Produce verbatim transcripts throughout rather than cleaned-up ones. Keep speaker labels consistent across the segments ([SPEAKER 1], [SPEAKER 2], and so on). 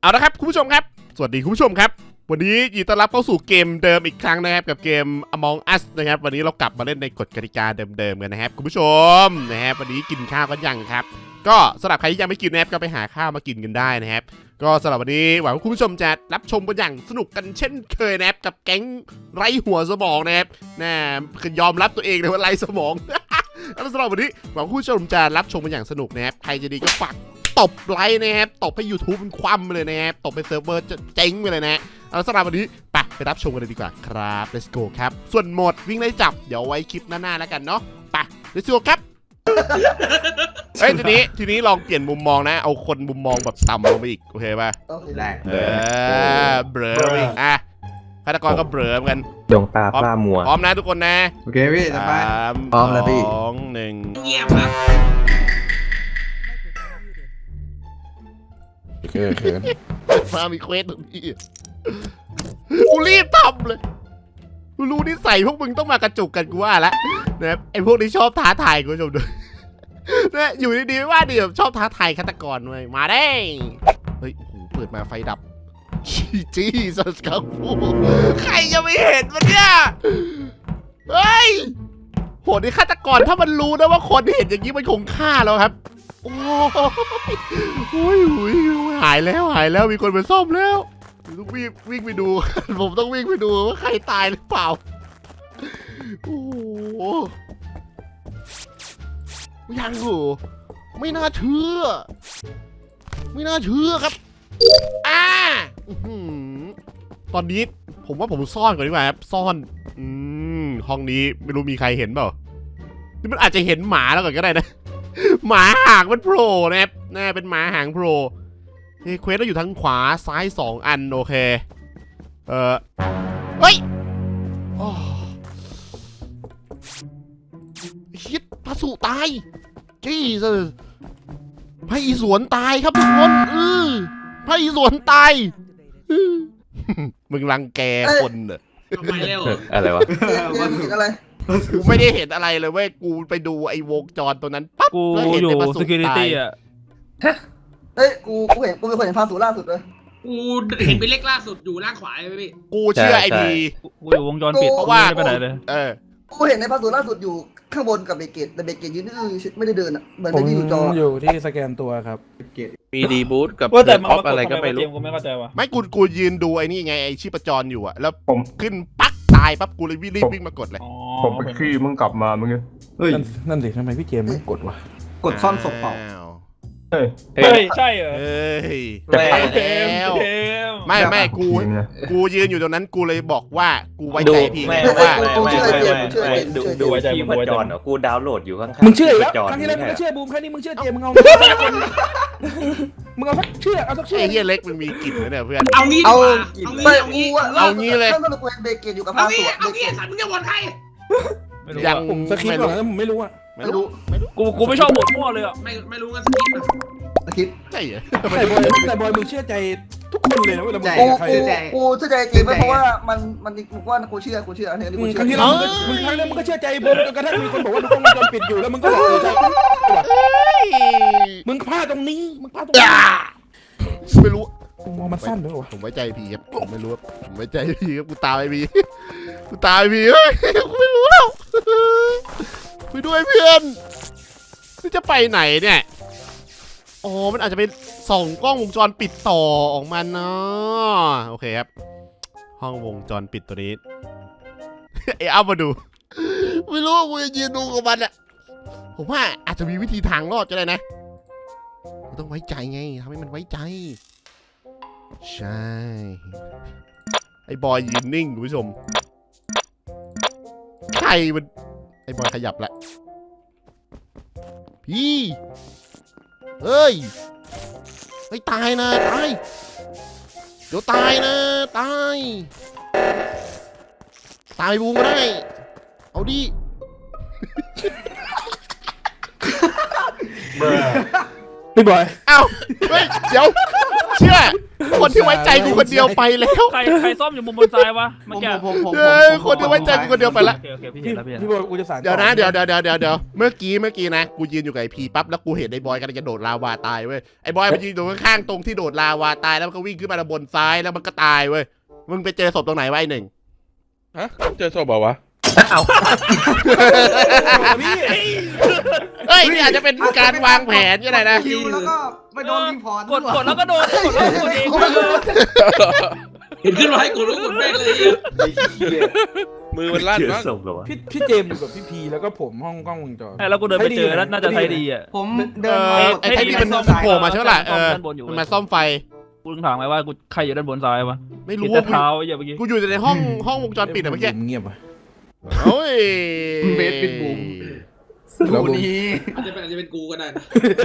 [SPEAKER 1] เอาละครับคุณผู้ชมครับสวัสดีคุณผู้ชมครับวันนี้ยินดีต้อนรับเข้าสู่เกมเดิมอีกครั้งนะครับกับเกม Among Us นะครับวันนี้เรากลับมาเล่นในกฎกติกาเดิมๆกันนะครับคุณผู้ชมนะครับวันนี้กินข้าวกันยังครับก็สำหรับใครที่ยังไม่กินนะครับก็ไปหาข้าวมากินกันได้นะครับก็สำหรับวันนี้หวังว่าคุณผู้ชมจะรับชมกันอย่างสนุกกันเช่นเคยนะครับกับแก๊งไร้หัวสมองนะครับน่คือยอมรับตัวเองเลยว่าไร้สมองแล้วสำหรับวันนี้หวังว่าคุณผู้ชมจะรับชมกันอย่างสนุกนะครับใครจะดีก็ฝากตบไลค์นะครับตบให้ YouTube มันคว่ำไปเลยนะครับตบให้เซิร์ฟเวอร์จะเจ๊งไปเลยนะเอาสำหรับวันนี้ไปไปรับชมกันเลยดีกว่าครับ let's go ครับส่วนโหมดวิ่งไล่จับเดี๋ยวไว้คลิปหน้าๆแล้วกันเนาะไป let's go ครับ เฮ้ยทีนี้ทีนี้ลองเปลี่ยนมุมมองนะเอาคนมุมมองแบบต่ำลงไปอีกโอเคป่ะ
[SPEAKER 2] ได้
[SPEAKER 1] เออเบลออีกอ่ะฆาตกรก็เบลอเหมือนกัน
[SPEAKER 3] ดวงตาพร่ามัว
[SPEAKER 1] พร้อมนะทุกคนนะ
[SPEAKER 2] โอเคพี่สบาย
[SPEAKER 1] สาม
[SPEAKER 2] พร้อมแล้วพี่
[SPEAKER 1] สองหนึ่ง
[SPEAKER 4] เงียบครับ
[SPEAKER 2] เขินเขิน
[SPEAKER 1] มามีเควสตรงนี้กูรีบทำเลยกูรู้นิสัยพวกมึงต้องมากระจุกกันกูว่าละนะครับไอพวกนี้ชอบท้าทายคุณผู้ชมดูนะอยู่ดีๆไม่ว่าดีแบบชอบท้าทายฆาตกรเลยมาได้เฮ้ยโอ้โหเปิดมาไฟดับจีสัสครับใครจะไม่เห็นมันเนี่ยเฮ้ยโหนี่ฆาตกรถ้ามันรู้นะว่าคนเห็นอย่างนี้มันคงฆ่าแล้วครับโอ้ยโอ้ยหายแล้วหายแล้วมีคนมาซ่อมแล้วต้องวิ่งวิ่งไปดู ผมต้องวิ่งไปดูว่าใครตายหรือเปล่าโอ้โหยังเหรอไม่น่าเชื่อไม่น่าเชื่อครับอ่าตอนนี้ผมว่าผมซ่อนก่อนดีกว่าครับซ่อนอืมห้องนี้ไม่รู้มีใครเห็นเปล่านี่มันอาจจะเห็นหมาแล้วก่อนก็ได้นะหมาหางมันโผล่นะครับน่าเป็นหมาหางโผล่เฮ้ยเควสเราอยู่ทางขวาซ้ายสองอันโอเคเออเฮ้ยฮิตพระสุตายจี้สิพระอีสวนตายครับทุกคนเออพระอีสวนตายมึงรังแกคนเหรอ
[SPEAKER 4] ทำไมเร็ว
[SPEAKER 3] อะไรวะ
[SPEAKER 2] เห็นอะไร
[SPEAKER 1] กูไม่ได้เห็นอะไรเลยเว้ยกูไปดูไอ้วงจรตัวนั้นปั๊บ
[SPEAKER 5] กู
[SPEAKER 1] แล้วเห็น
[SPEAKER 5] อยู่
[SPEAKER 1] แต่พระสุตาย
[SPEAKER 5] security อ่ะ
[SPEAKER 2] เฮ้ยกูกูเห็นกูเป็นคนเห็นภาพสูล่าสุดเลย
[SPEAKER 4] กูเห็นเป็นเลขล่าสุดอยู่ล่างขวาเลยพี่
[SPEAKER 1] กูเชื่อไอ้พี
[SPEAKER 5] กูอยู่วงจรปิด
[SPEAKER 1] เพราะว่า
[SPEAKER 5] ไม่ไปไหนเลย
[SPEAKER 1] เออ
[SPEAKER 2] กูเห็นในภาพสูล่าสุดอยู่ข้างบนกับเบเกตแต่เบเกตยืนอื้อไม่ได้เดินอ่ะเหมือน
[SPEAKER 6] ผม
[SPEAKER 2] ไม่ได้อยู่จอ
[SPEAKER 6] อยู่ที่สแกนตัวครับ
[SPEAKER 3] มีดีบูทกับ
[SPEAKER 5] ว่าแต่
[SPEAKER 3] เด
[SPEAKER 5] มัน
[SPEAKER 3] ออฟ
[SPEAKER 5] มาก
[SPEAKER 3] อะไร
[SPEAKER 5] ด
[SPEAKER 3] ก็
[SPEAKER 5] ทำไม
[SPEAKER 3] ไม่
[SPEAKER 5] วะเจ
[SPEAKER 3] รู้
[SPEAKER 5] มส์กูไม่เข้าใจว่ะ
[SPEAKER 1] ไม่กูกูยืนดูไอ้นี่ไงไอ้ชีพจรอยู่อะแล้ว
[SPEAKER 7] ผม
[SPEAKER 1] ขึ้นปั๊กตายปั๊บกูเลยวิ่งรีบวิ่งมากดเลย
[SPEAKER 5] อ๋อ
[SPEAKER 7] ผมไปขี้มึงกลับมามึง
[SPEAKER 2] เฮ้ย
[SPEAKER 6] นั่นนั่นสิทำไมพี่เจมส์ไม่กดวะ
[SPEAKER 2] กดซ่อนศพเปล่า
[SPEAKER 1] อ้ว
[SPEAKER 7] เฮ้ย
[SPEAKER 5] เฮ้ยใช่เหรอ
[SPEAKER 1] เฮ้ย
[SPEAKER 3] แต่
[SPEAKER 1] ตาย
[SPEAKER 5] เจม
[SPEAKER 1] แล้ว
[SPEAKER 5] ส์เจมส์
[SPEAKER 1] ไม่ไม่กู
[SPEAKER 7] จริงนะ
[SPEAKER 1] กูยืนอยู่ตรงนั้นกูเลยบอกว่ากูไว้
[SPEAKER 3] ดู
[SPEAKER 1] ใจพี่
[SPEAKER 3] ไม่
[SPEAKER 1] เพราะ
[SPEAKER 3] ไม่
[SPEAKER 1] ว่า
[SPEAKER 3] ไม่ไม่ไม่ไม่ดูดูไว้ที่พจรเหรอกูดาวน์โหลดอยู่ข้างๆ
[SPEAKER 6] มึงเชื่ออีกแล้ว
[SPEAKER 3] จร
[SPEAKER 6] ครั้งที่แล้วมึงก็
[SPEAKER 3] นี่
[SPEAKER 6] เชื่
[SPEAKER 3] แห
[SPEAKER 6] อ
[SPEAKER 3] ละ
[SPEAKER 6] บูมครั้งนี้มึงเชื่อเจมส์มึงเอาคนมึงเอาสักเชื่อเอาสักเชื่อ
[SPEAKER 1] ไอ้เฮียเล็กมันมีกลิ่นนะเนี่ยเพื่อน
[SPEAKER 4] เอางี้ดี
[SPEAKER 2] เอา
[SPEAKER 4] กว่าเอางี้
[SPEAKER 2] ไม่
[SPEAKER 4] เอางี้
[SPEAKER 2] กูอะ
[SPEAKER 1] เอางี้เลย
[SPEAKER 2] ข้างบนกูเห็นเบเกตอยู่กับ
[SPEAKER 4] เอา
[SPEAKER 2] ภาพสู
[SPEAKER 4] งี้
[SPEAKER 2] อะ
[SPEAKER 4] เอา
[SPEAKER 2] เบเก
[SPEAKER 4] งี้
[SPEAKER 2] ต
[SPEAKER 4] สัตว์มึงจะวนใคร
[SPEAKER 5] ไม่รู้
[SPEAKER 1] ยัง
[SPEAKER 5] อะ
[SPEAKER 6] ผมสคริปต์ก่อนแล้วผมไม่รู้อะ
[SPEAKER 1] ไม่รู้ไม่รู้
[SPEAKER 5] กูกูไม่ชอบหมดมั่วเลยอ่ะ
[SPEAKER 4] ไม่ไม่รู้กันสกิปต์อะ
[SPEAKER 2] คิด
[SPEAKER 1] ใช่เหรอ
[SPEAKER 6] แต่บอยแต่บอยมึงเชื่อใจทุกคนเลยนะเวลามึง
[SPEAKER 2] กู
[SPEAKER 6] กับใคร
[SPEAKER 2] กูกูเชื่อใจจริงเพราะว่ามันมันกูว่ากูเชื่อกูเชื่ออันนี้
[SPEAKER 6] มึ
[SPEAKER 2] กู
[SPEAKER 6] ง
[SPEAKER 2] เชื่
[SPEAKER 6] ครั้งที่
[SPEAKER 2] อ
[SPEAKER 6] แล้วมึงครั้งแล้วมึงก็เชื่อใจบูมจนกระทั่งมีคนบอกว่าดูกล้องวงจรปิดอยู่แล้วมึงก็บอกเออใช่
[SPEAKER 1] เฮ้ย
[SPEAKER 6] มึงพลาดตรงนี้มึงพลาดตรงนี้
[SPEAKER 1] ไม่รู้
[SPEAKER 6] มึงมองมันสั้นด้วยวะ
[SPEAKER 1] ผมไว้ใจพี่ครับผมไม่รู้ครับผมไว้ใจพี่ครับกูตามไอ้พี่กูตามไอ้พี่เฮ้ยกูไม่รู้แล้วไปด้วยเพื่อนนี่จะไปไหนเนี่ยอ๋อมันอาจจะเป็นส่องกล้องวงจรปิดต่อออกมาเนาะโอเคครับห้องวงจรปิดตัวนี้ ไอ้เอามาดูไม่รู้กูจะยืนดูกับมันอะผมว่าอาจจะมีวิธีทางรอดก็ได้นะต้องไว้ใจไงทำให้มันไว้ใจใช่ไอ้บอยยืนนิ่งคุณผู้ชมใครมันไอ้บอยขยับละพี่เฮ้ยไม่ตายนะตายเดี๋ยวตายนะตายตายบูมก็ได้เอาดิ
[SPEAKER 6] พี่บอย
[SPEAKER 1] เอ้าเฮ้ยเดี๋ยวเชื่อคนที่ไว้ใจกูคนเดียวไปแล้ว
[SPEAKER 5] ใครใครซ่อมอยู่มุมบนซ้ายวะ
[SPEAKER 2] ผ
[SPEAKER 5] เมื่อ
[SPEAKER 2] ม
[SPEAKER 5] กี้
[SPEAKER 2] ผมผมผม
[SPEAKER 1] เอ้ยคนที่ไว้ใจกูคนเดียวไปละ
[SPEAKER 5] โอเคโอเคพี่
[SPEAKER 6] พี่
[SPEAKER 5] เห็นแล้วพี่เห็น
[SPEAKER 6] พี่
[SPEAKER 5] แล้ว
[SPEAKER 6] บอยกูจะสาน
[SPEAKER 1] เดี๋ยวนะเดี๋ยวเดี๋ยวเดี๋ยวเดี๋ยวเดี๋ยวเมื่อกี้เมื่อกี้นะกูยืนอยู่กับไอพีปั๊บแล้วกูเห็นไอ้บอยกำลังจะโดดลาวาตายเว้ยไอ้บอยมันยืนอยู่ข้างๆตรงที่โดดลาวาตายแล้วมันก็วิ่งขึ้นมาบนซ้ายแล้วมันก็ตายเว้ยมึงไปเจอศพตรงไหนวะไอ้หนึ่ง
[SPEAKER 8] ฮะเจอศพเปล่าวะ
[SPEAKER 6] พี่
[SPEAKER 1] เฮ้ยนี่อาจจะเป็นการวางแผนก็ได้นะ
[SPEAKER 2] คิวแล้วก็ไปโดนรีพอร์ต
[SPEAKER 5] กดกดแล้วก็โดนกดแล้วก็โดนเองเลย
[SPEAKER 4] เห็นขึ้นมาให้กดแล้วกดแม่งเลย
[SPEAKER 8] มือมันลั่น
[SPEAKER 3] เจอ
[SPEAKER 8] มั้ง
[SPEAKER 3] ศพเหรอวะ
[SPEAKER 6] พี่พี่เจมส์อยู่กับพี่พีแล้วก็ผมห้องกล้องวงจร
[SPEAKER 5] แล้วกูเดินไปเจอแล้วน่าจะใช้ดีอ่ะ
[SPEAKER 2] ผม
[SPEAKER 1] เอ
[SPEAKER 2] เดิน
[SPEAKER 1] อ
[SPEAKER 2] มา
[SPEAKER 1] ไอ้ไอ้นี่มันโผล่มาใช่ไหมล่ะเออ
[SPEAKER 5] ด้านบนอยู่
[SPEAKER 1] มันมาซ่อมไฟ
[SPEAKER 5] กูถามไงว่ากูใครอยู่ด้านบนซ้ายวะ
[SPEAKER 1] ไม่
[SPEAKER 5] เห็น
[SPEAKER 1] รู้
[SPEAKER 5] แต่
[SPEAKER 1] ว่า
[SPEAKER 5] เท้าอย่าเมื่อกี้
[SPEAKER 1] กูอยู่ในห้องห้องวงจรปิดอะเมื่อกี้
[SPEAKER 6] เงียบอ่ะ
[SPEAKER 1] โอ้ย
[SPEAKER 2] เบสปิดบูม
[SPEAKER 6] แล้วบูม
[SPEAKER 2] นี้
[SPEAKER 4] อาจจะเป็นอาจจะเป็นกูก็ได้นะ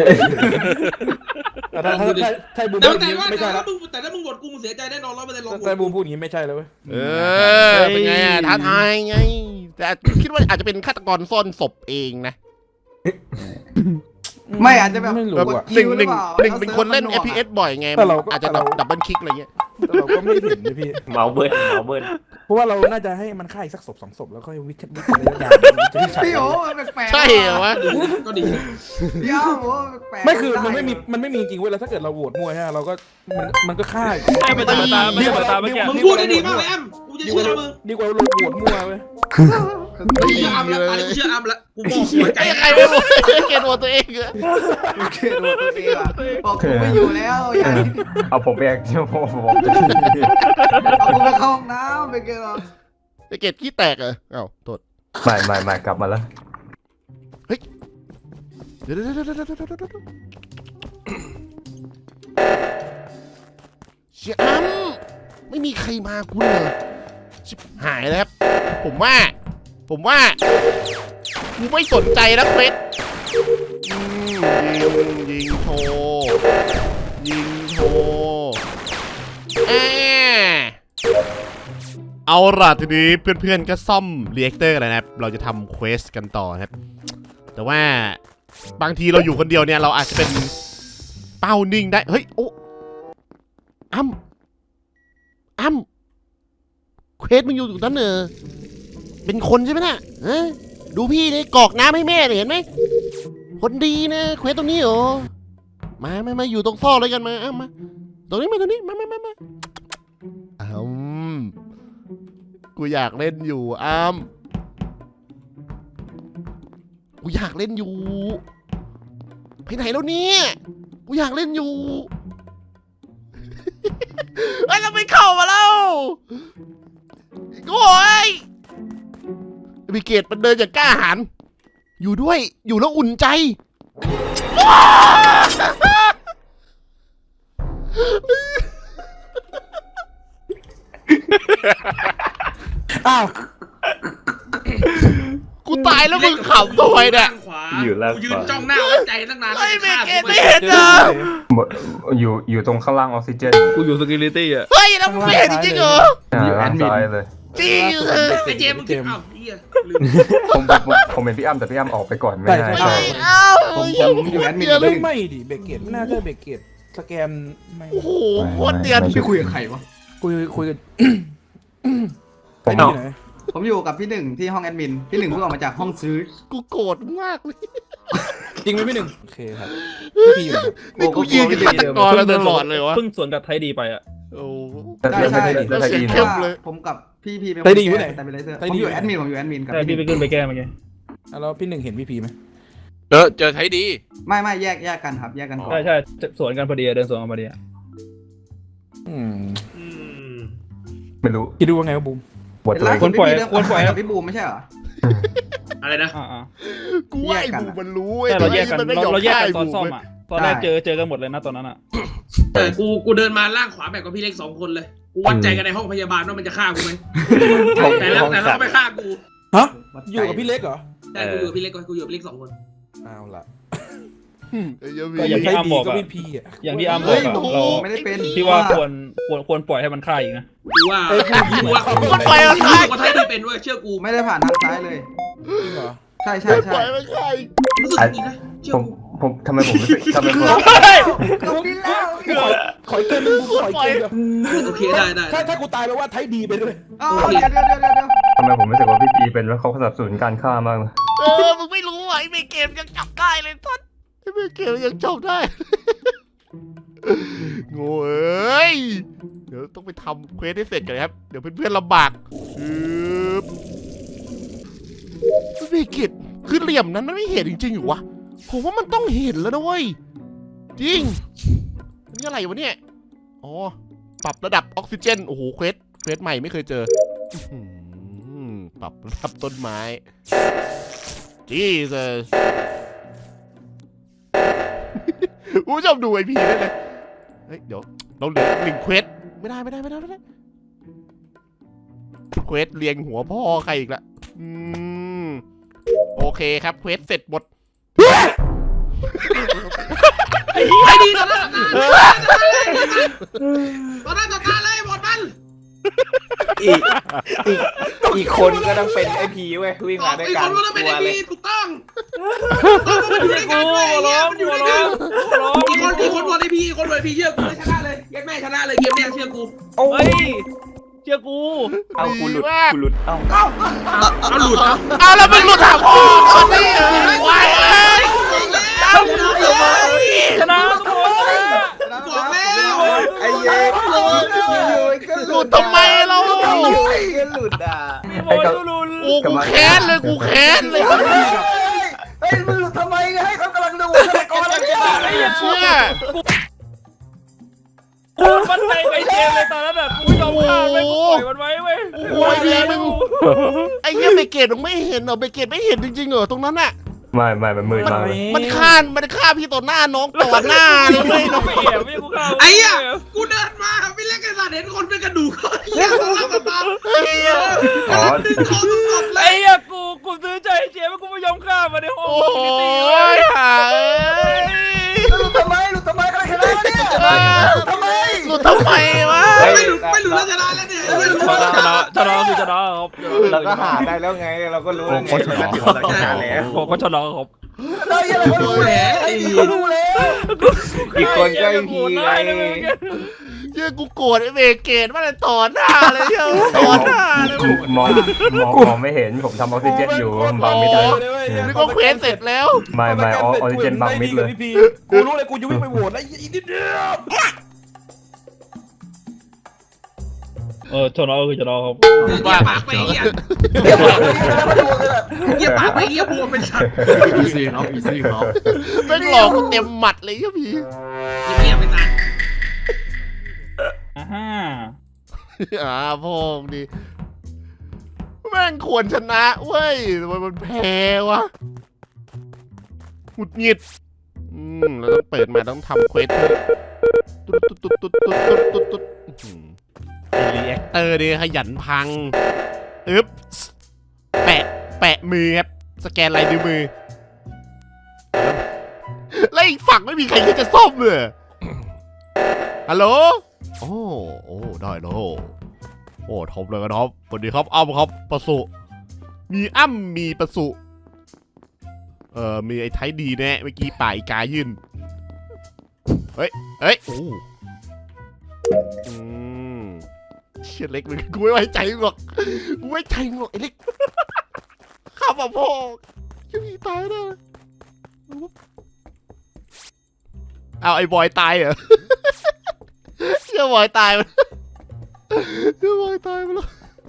[SPEAKER 6] แต่ถ้าถ้าถ้าถ้าบูม
[SPEAKER 4] แต่
[SPEAKER 6] พูดอ
[SPEAKER 4] แต่
[SPEAKER 6] ย่างนี้
[SPEAKER 4] ว่า
[SPEAKER 6] ไม่ใช่
[SPEAKER 4] แต่
[SPEAKER 6] แล้
[SPEAKER 4] ถ้าว มึงแต่ถ้ามึงบดกูมึงเสียใจแน่นอนร้อยเปอร์เซ็นต์ลอง
[SPEAKER 6] แต่บูมพูดอย่างนี้ไม่ใช่แล้วเว้ย
[SPEAKER 1] เออเป็นไงอะท้าทายไง แต่คิดว่าอาจจะเป็นฆาตกรซ่อนศพเองนะ
[SPEAKER 2] ไม่อาจจะแบบ
[SPEAKER 6] ไม่รู้
[SPEAKER 1] แบบ
[SPEAKER 6] อ่ะ
[SPEAKER 1] หนึ่งหนึ่ง
[SPEAKER 2] หรือเปล่า
[SPEAKER 1] หนึ่งเป็นคนเล่น
[SPEAKER 2] เอา
[SPEAKER 1] เอ
[SPEAKER 2] เซิร์ฟมันหน่วงอะ
[SPEAKER 1] พีเอสบ่อยไง
[SPEAKER 6] แต่เราก็
[SPEAKER 1] อาจจะ
[SPEAKER 6] แต่เรา
[SPEAKER 1] ดับเบิลคลิกอะไรเงี้ย
[SPEAKER 6] แต่เราก็ไม่เห็นนะพี่
[SPEAKER 3] เมาเบิ้ลเมาเบิ้ล
[SPEAKER 6] เพราะว่าเราน่าจะให้มันฆ่าอีกสักศพสองศพแล้วค่อยวิเคราะห์วิเคราะห์ยาจะที่ใช่
[SPEAKER 2] พี่โอ้แปลกๆ
[SPEAKER 1] ใช่เหรอวะ
[SPEAKER 4] ก็ดี
[SPEAKER 2] พี่อ้โอ้แปลกๆ
[SPEAKER 6] ไม่คือมันไม่มีมันไม่มีจริงเว้ยแล้วถ้าเกิดเราโหวตมั่วใช่ไหมเราก็มันมันก็ฆ่า
[SPEAKER 5] ใช่มันจะมาตามมันจะมาตามเมื่อกี้
[SPEAKER 4] มึงพูดได้ดีมากเลยแอมกูจะ
[SPEAKER 6] ดีก
[SPEAKER 4] เชื่
[SPEAKER 6] ว่า
[SPEAKER 4] อมึง
[SPEAKER 6] ดีกว่าเราโหวตมั่วเว้ย
[SPEAKER 4] กูเชื่ออัมแล้วตอนนี้กูเชื่ออัมแล้วกูบอกหัวใจ
[SPEAKER 1] ไอ้ใครไม่รู้เกลียดตัวตัวเองอะ
[SPEAKER 2] โอเคตัวตัวเองอะบอกกูไม่อยู่แล้วอย่า
[SPEAKER 7] เอาผมไปแอคชั่นผมผมจะ
[SPEAKER 2] เอากูไปเข้าห้องน้ำไปเกลอ
[SPEAKER 1] ไอ้เกลียดขี้แตกเหรอเอ้าโทษ
[SPEAKER 7] ไม่ไม่ไม่กลับมาแล้ว
[SPEAKER 1] เดี๋ยวเดี๋ยวเดี๋ยวเดี๋ยวเดี๋ยวเดี๋ยวเดี๋ยวเชี่ยอ้ำไม่มีใครมากูเลยชิบหายแล้วครับ ผมว่า ผมว่ากูไม่สนใจแล้วเฟสอืมยิงยิงโชว์ยิงโชว์แอะเอาล่ะทีนี้เพื่อนๆก็ซ่อมเรีแอคเตอร์กันแล้วนะครับ เราจะทำเควสกันต่อครับ แต่ว่าบางทีเราอยู่คนเดียวเนี่ยเราอาจจะเป็นเป้านิ่งได้ เฮ้ย โอ้อ้ำอ้ำเควสมึงอยู่ตรงนั้นเนอะเป็นคนใช่ไหมน่ะฮะดูพี่นี่กรอกน้ำให้แม่เนี่ยเห็นไหมคนดีนะเควสตรงนี้เหรอมามามาอยู่ตรงซอกเลยกันมาอ้ำมาตรงนี้มาตรงนี้มามามามาอ้ำกูอยากเล่นอยู่อ้ำกูอยากเล่นอยู่ไปไหนแล้วเนี่ยกูอยากเล่นอยู่ เฮ้ยเราไม่เข้ามาแล้วโอ้ยบิเกตมันเดินอย่างกล้าหาญอยู่ด้วยอยู่แล้วอุ่นใจ
[SPEAKER 6] อ้าว
[SPEAKER 1] กูตายแล้วมึงขำทำไมเนี่ย
[SPEAKER 4] ขวากูยืนจ้องหน้าไว้ใจตั้งนาน
[SPEAKER 1] เฮ้ยบิเกต
[SPEAKER 4] กู
[SPEAKER 1] ไม่เห็นเหรอ
[SPEAKER 7] อยู่อยู่ตรงข้างล่างออกซิเจน
[SPEAKER 5] กูอยู่สกิลิตี้อ่ะ
[SPEAKER 1] เฮ้ยแล้วมึงไม่เห็นจริงๆเหรอ
[SPEAKER 7] อ่าซ้ายเลย
[SPEAKER 1] จริงเหรอ
[SPEAKER 4] ไอ้เจมมึงคิดอ้าวเฮียลืม
[SPEAKER 7] ผมผมผมเป็นพี่อ้ำแต่พี่อ้ำออกไปก่อนไม่ได้
[SPEAKER 6] ใช่
[SPEAKER 7] ใช่
[SPEAKER 1] เอ้า
[SPEAKER 2] ผมผมอยู่แอดมิน
[SPEAKER 6] เฮ้ยไม่ดิเบรกเกตไม่น่าใช่เบรกเกตสแกนไม่
[SPEAKER 1] โอ้โหโคตรเดียน
[SPEAKER 2] พี่คุยกับใครวะ
[SPEAKER 6] คุยคุยกัน
[SPEAKER 7] ผม
[SPEAKER 6] ไอ้นี่ไหน
[SPEAKER 2] ผมอยู่กับพี่หนึ่งที่ห้องแอดมินพี่หนึ่งเพิ่งออกมาจากห้องซื้อ
[SPEAKER 1] กูโกรธมากเลย
[SPEAKER 6] จริงไหมพี่หนึ่งโอเคครับพี่พีอยู่ไหนครับ
[SPEAKER 1] นี่กูยืนกับฆาตกรแล้วตลอดเลยวะ
[SPEAKER 5] เพิ่งสวนกับไทยดีไปอ่ะ
[SPEAKER 1] โอ้
[SPEAKER 7] แต่แต่แต่แต่แต่
[SPEAKER 1] เสียง
[SPEAKER 7] อิน
[SPEAKER 1] เข้มเลย
[SPEAKER 2] ผมกับพี่พีเป็น
[SPEAKER 6] ไทยดีอยู่ไหน
[SPEAKER 2] แต่เป็นไรเซอร์
[SPEAKER 6] ไท
[SPEAKER 2] ผ
[SPEAKER 6] ย
[SPEAKER 2] ม
[SPEAKER 6] ดี
[SPEAKER 2] อยู่แอดมินผมอยู่แอดมินกับ
[SPEAKER 5] ใช่
[SPEAKER 2] พี่
[SPEAKER 5] พี่
[SPEAKER 2] หนึ่ง
[SPEAKER 5] ไปขึ้นไปแก้เมื่อกี้
[SPEAKER 6] อ่ะแล้วพี่หนึ่งเห็นพี่พีไหม
[SPEAKER 8] เออเจอไทยดี
[SPEAKER 2] ไม่ไม่แยกแยกกันครับแยกกันก่อน
[SPEAKER 5] ใช่ใช่สวนกันพอดีเดินสวนกันพอดีอ่ะ
[SPEAKER 6] อืม
[SPEAKER 4] อืม
[SPEAKER 7] ไม่รู้
[SPEAKER 6] คิดดูว่าไงวะบูม
[SPEAKER 7] บท
[SPEAKER 2] เป็น
[SPEAKER 7] เล
[SPEAKER 2] ล่าย สุดพี่พีเรื่องความสัมพันธ์กับพี่บูมไม่ใช่เหรอ
[SPEAKER 4] อะไรนะ
[SPEAKER 5] อ่าอ่า
[SPEAKER 1] กูว่าไอ้บูมันรู้
[SPEAKER 5] แต่เราแยกกัน
[SPEAKER 1] มันไม่
[SPEAKER 5] เรา
[SPEAKER 1] ยอม
[SPEAKER 5] เราแยก
[SPEAKER 1] ฆ่า
[SPEAKER 5] กัน
[SPEAKER 1] ไอ้
[SPEAKER 5] ตอน
[SPEAKER 1] บู
[SPEAKER 5] ซ่อม
[SPEAKER 1] เว้ย
[SPEAKER 5] อ่ะตอนแรกเจอเจอกันหมดเลยนะตอนนั้นอ่ะ
[SPEAKER 4] แต่กูกูเดินมาล่างขวาแบบกับพี่เล็กสองคนเลยกูวัดใจกันในห้องพยาบาลว่ามันจะฆ่ากูไหมแต่แล้วแต่แล้วก็ไม่ฆ่ากู
[SPEAKER 6] ฮะอยู่กับพี่เล็กเหรอ
[SPEAKER 4] แต่กูอยู่กับพี่เล็กกูอยู่กับพี่เล็กสองคน
[SPEAKER 6] เอาละ
[SPEAKER 1] ไอ้เหี้ย
[SPEAKER 5] ก็อย่างที่
[SPEAKER 6] ใคร
[SPEAKER 5] อ้ำ
[SPEAKER 6] ดี
[SPEAKER 5] บอก
[SPEAKER 6] ก็
[SPEAKER 5] อะ
[SPEAKER 6] พี่พีอ่ะ
[SPEAKER 5] อย่างที่อ้ำบอ
[SPEAKER 2] เฮ้
[SPEAKER 5] ก
[SPEAKER 2] ย
[SPEAKER 5] อะ
[SPEAKER 2] ผม
[SPEAKER 5] เรา
[SPEAKER 2] ไม่ได้เป็น
[SPEAKER 5] พี่ว่าควรควรควรปล่อยให้มันฆ่าอีกนะ
[SPEAKER 4] กูว่ากูว่า
[SPEAKER 1] มันไปแล้ว
[SPEAKER 4] กู
[SPEAKER 1] ใช่
[SPEAKER 4] ว่าไทยดีเป็นเว้ยเชื่อกู
[SPEAKER 2] ไม่ได้ผ่านทางซ้ายเลย
[SPEAKER 6] จริงเหรอ
[SPEAKER 2] ใช่ใช่
[SPEAKER 1] ป
[SPEAKER 2] ใช่
[SPEAKER 1] ล่อยมันใช่
[SPEAKER 4] รู้สึกดีนะเชื่อ
[SPEAKER 7] ผม
[SPEAKER 4] กู
[SPEAKER 7] ผมทำไมผมรู้สึกทำไมผม
[SPEAKER 2] กูดิ้นแล้ว
[SPEAKER 6] ขออีกเกมนึงกูขออีกเกมเดียว
[SPEAKER 4] โอเคได้ได้
[SPEAKER 6] ถ้าถ้ากูตายแปลว่าไทยดีไปด้วย
[SPEAKER 2] เอาเดี๋ยวเดี๋ยวเดี๋ยวเดี๋ยวเดี๋ยว
[SPEAKER 7] ทำไมผมรู้สึกว่าพี่ปีเป็นแล้วเขาสนับสนุนการฆ่ามากเลย
[SPEAKER 1] เออมึงไม่รู้อ่ะไอ้เมเกมยังจับได้เลยท่านไอ้เมเกมยังจับได้ โง่เอ้ยเดี๋ยวต้องไปทำเควสให้เสร็จก่อนครับเดี๋ยวเพื่อนๆลำบากปึ๊บเมเกมคือเหลี่ยมนั้นมันไม่เห็นจริงๆอยู่วะผมว่ามันต้องเห็นแล้วนะเว้ยจริงนี่อะไรวะเนี่ยอ๋อปรับระดับออกซิเจนโอ้โหเควสเควสใหม่ไม่เคยเจออื้อหือปรับระดับต้นไม้จีเซส คุณผู้ชมดูไอพีได้เลยเฮ้ยเดี๋ยวเราเหลือหนึ่งเควสไม่ได้ไม่ได้ไม่ได้ไม่ได้เควสเรียงหัวพ่อใครอีกละอืมโอเคครับเควสเสร็จหมด
[SPEAKER 4] ไอ้ดีตอนนั้นตอนนั้นต่อตาเลยหมดมัน
[SPEAKER 3] อีกอีกอีกคนก็ต้องเป็นไอพีเว้ยวิ่งมาด้วย
[SPEAKER 4] อีก
[SPEAKER 3] กั
[SPEAKER 4] คน นก็ต้องเป็น
[SPEAKER 3] ตัว
[SPEAKER 4] ไอ้
[SPEAKER 3] เลย
[SPEAKER 4] พีถูกต้องต้องมันอยู่ด้วยกันเว้ยมันอยู่ด้วยกันอีกคนอีกคนวันไอพีอีกคนวันไอพีเชื่อกูชนะเลยยัดแม่ชนะเลยเกมเนี้ยเชื่อกู
[SPEAKER 3] โอ้
[SPEAKER 5] เฮ้
[SPEAKER 3] ย
[SPEAKER 5] ยเชื่อกู
[SPEAKER 3] เอากูหลุดกูหลุดเอ้า
[SPEAKER 4] เอาหลุดเอา
[SPEAKER 1] เอาแล้วมึงหลุดหาพ่อคนนี้เออวายเอ้ย
[SPEAKER 4] เอาหลุดเอา
[SPEAKER 5] ชนะทุกคน
[SPEAKER 4] บอกแล้ว
[SPEAKER 3] ไอ้เย้อยู่ๆก็
[SPEAKER 1] หลุดทำไมเรา
[SPEAKER 3] อยู่ๆก็หลุดอ่ะ
[SPEAKER 5] มีบอลลุน
[SPEAKER 1] โอ้กูแค้นเลยกูแค้นเลย
[SPEAKER 2] เฮ้ยมึงหลุดทำไมเนี่ยให้เขากำลังดูฆาตกรอะไรเนี่ย
[SPEAKER 1] ไอ้เชี่ย
[SPEAKER 5] กูมันใจไปเกมเลยตอนนั้นแบบกูยอมฆ่าไปกูปล่อยมันไว้เว้ย
[SPEAKER 1] โอ้ยดีมึงไอ้เหี้ยเบเกตมึงไม่เห็นเหรอเบเกตไม่เห็นจริงๆเหรอตรงนั้นอะ
[SPEAKER 7] ไม่ไม่มันมืดมากเลย
[SPEAKER 1] มันฆ่ามันฆ่าพี่ต่อหน้าน้องต่อหน้าเลยเว้ยน้อง
[SPEAKER 5] ไม่แอบไม่กูฆ่า
[SPEAKER 4] ไอ้อะกูเดินมาไม่เล่นกันสัตว์เห็นคนเป็นกระดูกเขาเหี้ยเขาเล่ากันมา
[SPEAKER 7] อ๋อ
[SPEAKER 4] ดึงคอสดเล
[SPEAKER 5] ไอ้
[SPEAKER 4] ย
[SPEAKER 5] เหี้ยกูกูซื้อใจเจ๊ว่ากูไม่ยอมฆ่ามันในห้อง
[SPEAKER 1] โอ้
[SPEAKER 5] อินฟินิตี้เว้
[SPEAKER 1] ย
[SPEAKER 5] ย
[SPEAKER 1] หาเอ้ย
[SPEAKER 2] หลุดทำไมหลุดทำไมกันเลยเนี่ยหลุดทำไม
[SPEAKER 1] หลุดทำไมวะ
[SPEAKER 4] ไม่หลุดไม่หลุดแล้วชนะแล้วเนี่ยไม่หลุด
[SPEAKER 5] ชนะชนะชนะคือชนะครับ
[SPEAKER 3] เราก็หาได้แล้วไงเราก็รู้แล้วไงเราก็ถือว่าเราชนะแล้ว
[SPEAKER 5] ผมก็ชนะครับ
[SPEAKER 2] ได้ยังไงเขารู้แล้วไอ้นี่เขารู้แล้ว
[SPEAKER 3] อีกคนก็ไอพีไง
[SPEAKER 1] เชื่อกูโกรธไอ้เบเกตว่าเลยต่อหน้าเลยเชื่อต่อหน้าเลย
[SPEAKER 7] มองมองมองไม่เห็นผมทำออกซิเจนอยู่บังมิดเลย
[SPEAKER 1] นี่ก็เควสเสร็จแล้ว
[SPEAKER 7] ไม่ไม่ออกซิเจนบังมิดเลย
[SPEAKER 6] กูรู้เลยกูจะวิ่งไปโหวตแล้วอีกนิดเดียว
[SPEAKER 5] เออชนะคือชนะครับ
[SPEAKER 4] เยี่ยปากไปเยี่ย
[SPEAKER 2] เดี๋ยวมาดูกันแบบ
[SPEAKER 4] เยี่ยปากไปเยี่ยบวมเป็นสัตว์
[SPEAKER 9] อีซี่ครับอีซี่ครับ
[SPEAKER 1] แม่งหลอกกูเต็มหมัดเลยเหี้ยพี่
[SPEAKER 4] เยี่ยไปตาย
[SPEAKER 5] อ่าฮะ
[SPEAKER 1] อ่าพ่อมึงดิแม่งควรชนะเว้ยทำไมมันแพ้วะหงุดหงิดอืมเราต้องเปิดมาต้องทำเควสตุ๊ดตุ๊ดตุ๊ดตุ๊ดตุ๊ดตุ๊ดตุ๊ดตุ๊ดไอรีแอคเตอร์ดิขยันพังอึ๊บแปะแปะมือครับสแกนลายนิ้วมือแล้วอีกฝั่งไม่มีใครที่จะซ่อมเลยฮัลโหลโอ้โอ้ได้แล้วโอ้ท็อปเลยกันท็อปสวัสดีครับอ้ำครับประสุมีอ้ำมีประสุเอ่อมีไอ้ไทยดีแน่เมื่อกี้ป่าอีกายื่นเฮ้ยเฮ้ยโอ้อืมเชี่ยเล็กมึงกูไม่ไว้ใจมึงหรอกกูไม่ไว้ใจมึงหรอกไอ้เล็กข้ามาพ่อจะมีตายได้เอาไอ้บอยตายเหรอเชื่อบอยตายไปเชื่อบอยตายไปแล้ว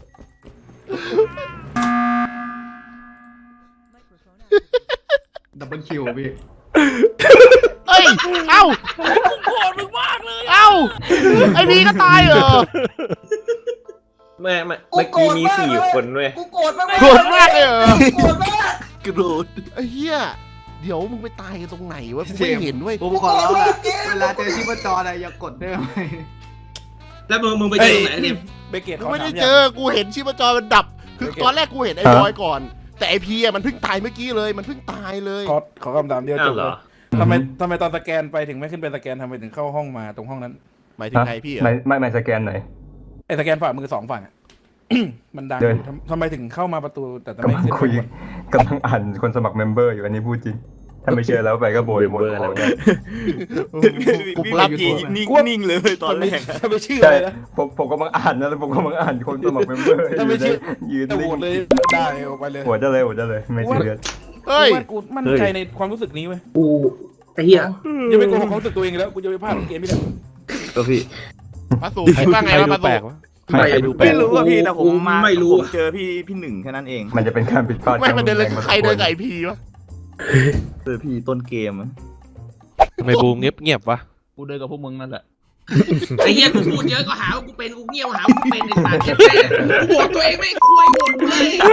[SPEAKER 9] ดับเบิลคิวพี่
[SPEAKER 1] เอ้ยเอ้า
[SPEAKER 5] กูโกรธมึงมากเลย
[SPEAKER 1] เอ้าไอ้พีก็ตายเหรอ
[SPEAKER 3] ไม่ไม่เมื่อกี้มีสี่คนเว้ย
[SPEAKER 2] กูโกรธมาก
[SPEAKER 1] โกรธมากเลยเหรอ
[SPEAKER 2] โกรธมาก
[SPEAKER 9] กระโดด
[SPEAKER 1] ไอ้เหี้ยเดี๋ยวมึงไปตายกันตรงไหนวะกูไม่เห็นเว้ย
[SPEAKER 9] ผมขอร้องละเวลาเจอชีพจรอะไรอย่ากดได้ไหม
[SPEAKER 4] แล้วมึงมึงไปเจอไหนเนี่ย
[SPEAKER 6] เบเกต
[SPEAKER 1] กูไม่ได้เจอกูเห็นชีพจรมันดับคือตอนแรกกูเห็นไอ้บอยก่อนแต่ไอพีอ่ะมันเพิ่งตายเมื่อกี้เลยมันเพิ่งตายเลย
[SPEAKER 6] ขอขอคำถามเดียวจ
[SPEAKER 3] อ้าว
[SPEAKER 6] บ
[SPEAKER 3] เหร
[SPEAKER 6] เล
[SPEAKER 3] อย
[SPEAKER 6] ทำไมทำไมตอนสแกนไปถึงไม่ขึ้นเป็นสแกนทำไมถึงเข้าห้องมาตรงห้องนั้น
[SPEAKER 1] หมายถึงใครพี่เหรอ
[SPEAKER 7] ไม่ไม่ไม่สแกนไหน
[SPEAKER 6] ไอ้สแกนฝ่ามือสองฝั่งอะ มันดัง
[SPEAKER 7] เดิน
[SPEAKER 6] อยู่ทำทำไมถึงเข้ามาประตูแต่ทำไม
[SPEAKER 7] กำลัง
[SPEAKER 6] ขึ้น
[SPEAKER 7] คุย
[SPEAKER 6] ข้างบน
[SPEAKER 7] กำลังอ่านคนสมัครเมมเบอร์อยู่อันนี้พูดจริงถ้าไม่เชื่อแล้วไปก็โบยหมดของเนี่ย
[SPEAKER 1] กูรับ
[SPEAKER 3] พี่นิ่งนิ่งเลยตอนแรก
[SPEAKER 6] ถ้าไม่เชื่อ
[SPEAKER 7] ใช่
[SPEAKER 6] เลยนะ
[SPEAKER 7] ผมผมกำลังอ่านนะแล้วผมกำลังอ่านคนสมัครเมมเบอร์
[SPEAKER 6] ถ้าไม่เชื่อ
[SPEAKER 7] ยืน
[SPEAKER 6] แต่โหวตเลยได้ออกไปเลย
[SPEAKER 7] หัวจะเลยหัวจะเลยไม่ซีเรียส
[SPEAKER 1] เฮ้ย
[SPEAKER 6] กูว่ากูมั่นใจในความรู้สึกนี้เว้ย
[SPEAKER 4] กูไอ้เหี้ย
[SPEAKER 6] อย่าไปโกหกความรู้สึกตัวเองแล้วกูจะไปพลาดเกมไม่ได้
[SPEAKER 3] ก็พี่
[SPEAKER 1] ปาสูคิดว่าไงวะปาสู
[SPEAKER 7] ไม่
[SPEAKER 3] ไม่รู้ว่าพี่แต่ผมมา
[SPEAKER 4] ไม่รู้
[SPEAKER 3] ผมเจอพี่พี่หนึ่งแค่นั้นเอง
[SPEAKER 7] มันจะเป็นการผิดพลาด
[SPEAKER 1] ไม่มันเดินเลยใครเดินไก่พีวะ
[SPEAKER 3] เจอพี่ต้นเกม
[SPEAKER 8] ทำไมบูมเงียบเงียบวะ
[SPEAKER 5] กูเดินกับพวกมึงนั่นแหละ
[SPEAKER 4] ไอ้เหี้ยกูพูดเยอะก็หาว่ากูเป็นกูเงียบหาว่ากูเป็นไอ้สัตว์เหี้ยแม่กูโหวตตัวเองไม่คุยโหวตกูเลย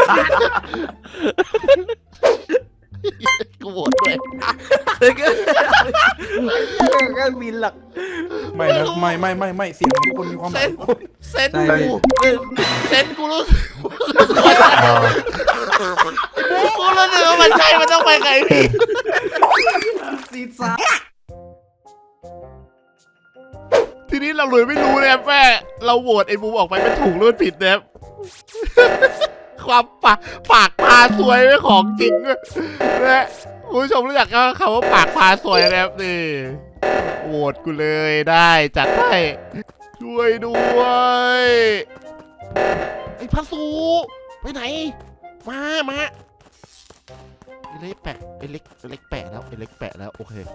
[SPEAKER 1] กูโหวตด้วย
[SPEAKER 3] ก็บินหลัก
[SPEAKER 6] ไม่นะไม่ไม่ไม่ไม่เสียงของทุกคนมีความหมาย
[SPEAKER 1] เซนกูเซนกูรู้กูรู้สึกว่ามันใช่มันต้องไปไก่พี
[SPEAKER 9] ซีซ่า
[SPEAKER 1] ทีนี้เราเลยไม่รู้นะครับแม่เราโหวตไอ้บูมออกไปมันถูกหรือมันผิดนะครับ ความปากปากพาสวยไม่ของจริงนะคุณผู้ชมรู้จักคำว่าปากพาสวยนะครับนี่โหวตกูเลยได้จัดให้ช่วยด้วยไอ้พัสูไปไหนมามาไอ้เล็กแปะไอ้เล็กไอ้เล็กแปะแล้วไอ้เล็กแปะแล้วโอเค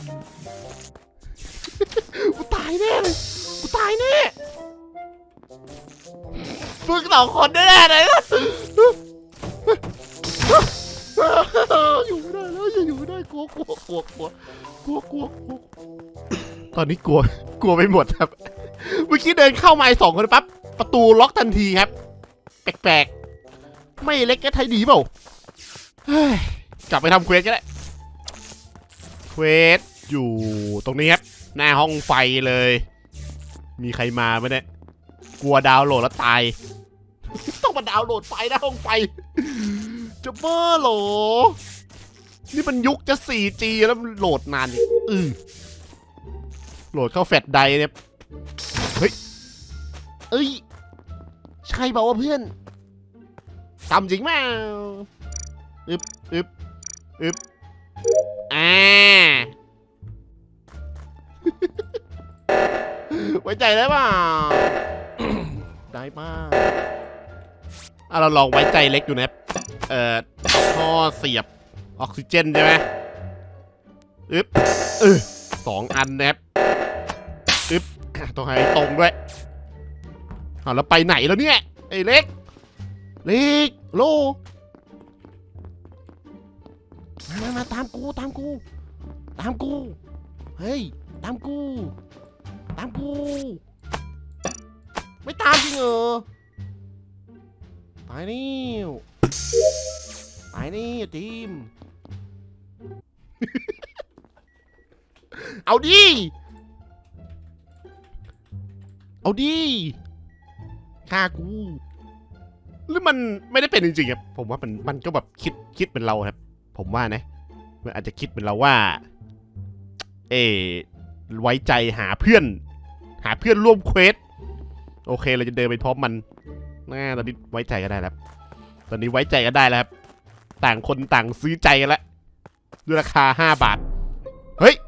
[SPEAKER 1] กูตายแน่เลยกูตายแน่ฝึกสองคนแน่ๆเลยนะอยู่ไม่ได้แล้วอยู่ไม่ได้กลัวกลัวกลัวกลัวกลัวกลัวกลัวตอนนี้กลัวกลัวไปหมดครับเมื่อกี้เดินเข้ามาสองคนปั๊บประตูล็อกทันทีครับแปลกๆไม่เล็กก็ไทยดีเปล่าเฮ้ยกลับไปทำเควสก็ได้เควสอยู่ตรงนี้ครับหน้าห้องไฟเลยมีใครมาไหมเนี่ยกลัวดาวน์โหลดแล้วตาย ต้องมาดาวน์โหลดไฟหน้าห้องไฟจะบ้าเหรอนี่มันยุคจะ โฟร์จี แล้วมันโหลดนานอีกอือโหลดเข้าแฟลชไดร์เนี่ยเฮ้ยเอ้ยใช่เปล่าวะเพื่อนทำจริงมั้ยอึบอึบอึบอ่า ไว้ใจได้ป่ะ ได้ป่ะอ่ะเราลองไว้ใจเล็กอยู่นะเอ่อท่อเสียบออกซิเจนใช่ไหมอึ๊บเออสองอันนะครับอึ๊บต้องให้ตรงด้วยเอาแล้วไปไหนแล้วเนี่ยไอ้เล็กเล็กโลมามามาตามกูตามกูตามกูเฮ้ยตามกูตามกูไม่ตามจริงเหรอไปนี่ไปนี่ทีม เอาดิเอาดิฆ่ากูหรือมันไม่ได้เป็นจริงๆครับผมว่ามันมันก็แบบคิดคิดเป็นเราครับผมว่านะมันอาจจะคิดเป็นเราว่าเอไว้ใจหาเพื่อนหาเพื่อนร่วมเควสโอเคเราจะเดินไปพร้อมมันน่าตอนนี้ไว้ใจกันได้แล้วตอนนี้ไว้ใจกันได้แล้วครับต่างคนต่างซื้อใจกันแล้วด้วยราคาห้าบาทเฮ้ย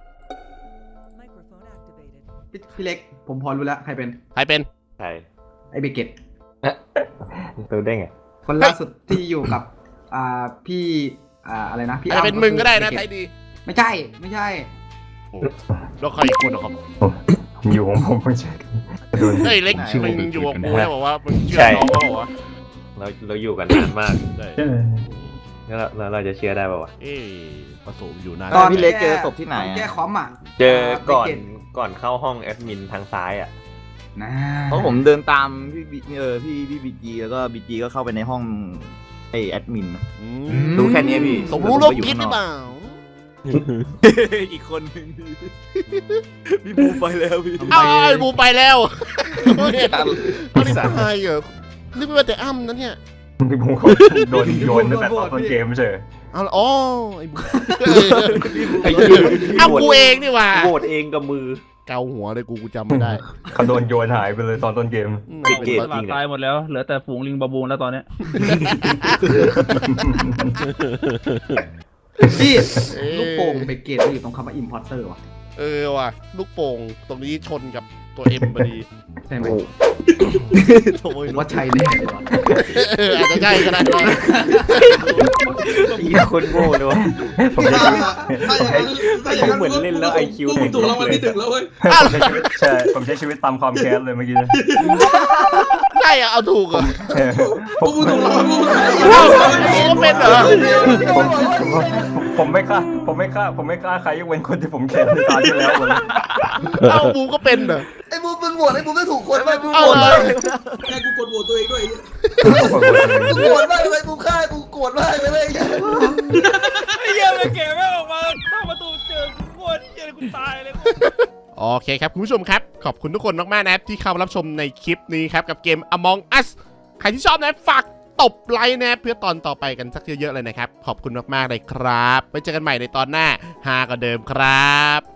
[SPEAKER 9] พี่พี่เล็กผมพอรู้แล้วใครเป็น
[SPEAKER 1] ใครเป็น
[SPEAKER 3] ใช่
[SPEAKER 9] ไอ้เบเกต
[SPEAKER 3] ตัวได้ไง
[SPEAKER 9] คนล่าสุดที่อยู่กับอ่าพี่อ่าอะไรนะพี่
[SPEAKER 1] อาจจะเป็นมึงก็ได้นะไทยดี
[SPEAKER 9] ไม่ใช่ไม่ใช่
[SPEAKER 1] แล้วใครอีกคนเหรอครับ
[SPEAKER 7] อยู่ของผมไม่ใช่โดน
[SPEAKER 1] เฮ้ยเล็กมึงอยู่กับกูแล้วบอกว่ามึงเชื่อน้องเขาบอกว่า
[SPEAKER 3] เราเราอยู่กันนานมาก
[SPEAKER 1] ได้
[SPEAKER 3] แล้วเราเราจะเชื่อได้ป่าวะ
[SPEAKER 1] เอ๊ะผสมอยู่นาน
[SPEAKER 3] ตอนพี่เล็กเจอศพที่ไหนอะ
[SPEAKER 9] แก้คอมอ่ะ
[SPEAKER 3] เจอก่อน
[SPEAKER 9] เบเต
[SPEAKER 3] ก่อนเข้าห้องแอดมินทางซ้ายอ่ะ
[SPEAKER 9] นะ
[SPEAKER 3] เพราะผมเดินตามพี่บีเออพี่พี่บีจีแล้วก็บีจีก็เข้าไปในห้องไอแอดมิน
[SPEAKER 1] อืม
[SPEAKER 3] รู้แค่นี้พี่
[SPEAKER 1] สมรู้ร่วมคิดหรือเปล่า
[SPEAKER 3] อีกคนนึงพี่บูไปแล้วพี่
[SPEAKER 1] อ้าวไอ้บูไปแล้วเนี่ยเอาดิตายเหรอนี่ไม่ว่าแต่อ้ำนะเนี่ย
[SPEAKER 7] พี่ผมเขาโดนโยนตั้งแต่ตอนต้นเกมไม่ใช่
[SPEAKER 1] เอาละอ๋อไอ้บูอ้าวกูเองนี่หว่า
[SPEAKER 3] โหวตเองกับมือ
[SPEAKER 1] เกาหัวเลยกูกูจำไม่ได้
[SPEAKER 7] เขาโดนโยนหายไปเลยตอนต้นเกม
[SPEAKER 1] อืม
[SPEAKER 3] ปิดเกม
[SPEAKER 5] ตลาดตายหมดแล้วเหลือแต่ฝูงลิงบาบูนแล้วตอนเนี้ย
[SPEAKER 9] พี่
[SPEAKER 1] เอ้ย
[SPEAKER 9] ลูกโป่งเบเกตมันอยู่ตรงคำว่า importer ว่ะ
[SPEAKER 1] เออว่ะลูกโป่งตรงนี้ชนกับตัวเอ็มพอดี
[SPEAKER 9] ใช่ไหม
[SPEAKER 3] โถ่
[SPEAKER 9] ผมว่าใช่แน่เลยว่ะ
[SPEAKER 1] เอออาจจะใช่ก็ได้นะ
[SPEAKER 3] เหี้ยคนโง่เลยวะ
[SPEAKER 7] ผมใช้ชีวิต
[SPEAKER 4] ถ้าอย่างนั้นเหมือนเล่นแล้วไอคิวถูกรางวัลที่หนึ่งแล้วเว้ย
[SPEAKER 7] ผมใช้ชีวิตใช่ผมใช้ชีวิตตามความแค้นเลยเมื่อกี้
[SPEAKER 1] ใช่อะเอาถูกเหรอ
[SPEAKER 7] ผ
[SPEAKER 4] พว
[SPEAKER 7] ม
[SPEAKER 4] กมึงถูกรางวัลพวกมึง
[SPEAKER 1] เอ้ากูก็เป็นเหรอ
[SPEAKER 7] ผมผมไม่ฆ่าผมไม่ฆ่าผมไม่ฆ่าใครยกเว้นคนที่ผมแค้นในตาที่แล้วเลย
[SPEAKER 1] เอ้าบูมก็เป็นเหรอ
[SPEAKER 2] ไอ้บูมมึงโหวตไอ้บูมไม่ถูกคนไปบูม
[SPEAKER 1] เอา
[SPEAKER 2] โหวต
[SPEAKER 1] เล
[SPEAKER 2] เลย ย
[SPEAKER 4] แค่กูกดโหวตตัวเองด้วย
[SPEAKER 2] กูโกรธมากเลยบูมฆ่ากูโกรธมากเลย
[SPEAKER 5] ไอ้เหี้ยมันเก๋ไม่ออกมาเข้าประตูเจอกูโคตรเจอกูตายเลย
[SPEAKER 1] โอเคครับคุณผู้ชมครับขอบคุณทุกคนมากๆนะครับที่เข้ามารับชมในคลิปนี้ครับกับเกม Among Us ใครที่ชอบนะฝากตบไลค์นะเพื่อตอนต่อไปกันสักเยอะๆเลยนะครับขอบคุณมากๆเลยครับไว้เจอกันใหม่ในตอนหน้าฮากว่าเดิมครับ